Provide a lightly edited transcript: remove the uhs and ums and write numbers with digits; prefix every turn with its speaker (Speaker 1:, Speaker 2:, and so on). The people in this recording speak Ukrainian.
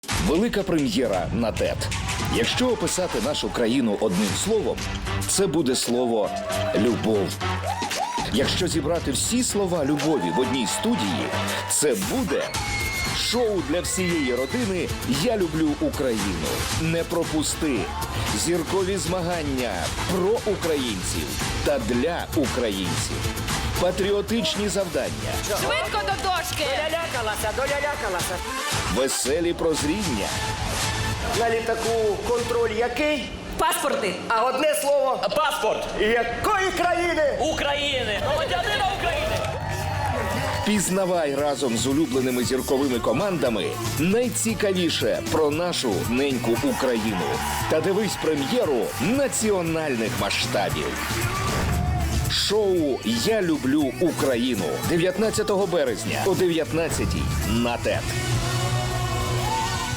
Speaker 1: Велика прем'єра на ТЕТ. Якщо описати нашу країну одним словом, це буде слово «любов». Якщо зібрати всі слова любові в одній студії, це буде шоу для всієї родини «Я люблю Україну». Не пропусти. Зіркові змагання про українців та для українців. Патріотичні завдання.
Speaker 2: Швидко до дошки!
Speaker 3: Долялякалася.
Speaker 1: Веселі прозріння.
Speaker 3: На літаку контроль який?
Speaker 2: Паспорти!
Speaker 3: А одне слово.
Speaker 4: Паспорт
Speaker 3: Якої країни?
Speaker 4: України. Громадянина України.
Speaker 1: Пізнавай разом з улюбленими зірковими командами найцікавіше про нашу неньку Україну. Та дивись прем'єру національних масштабів. Шоу «Я люблю Україну» 19 березня о 19:00 на ТЕТ.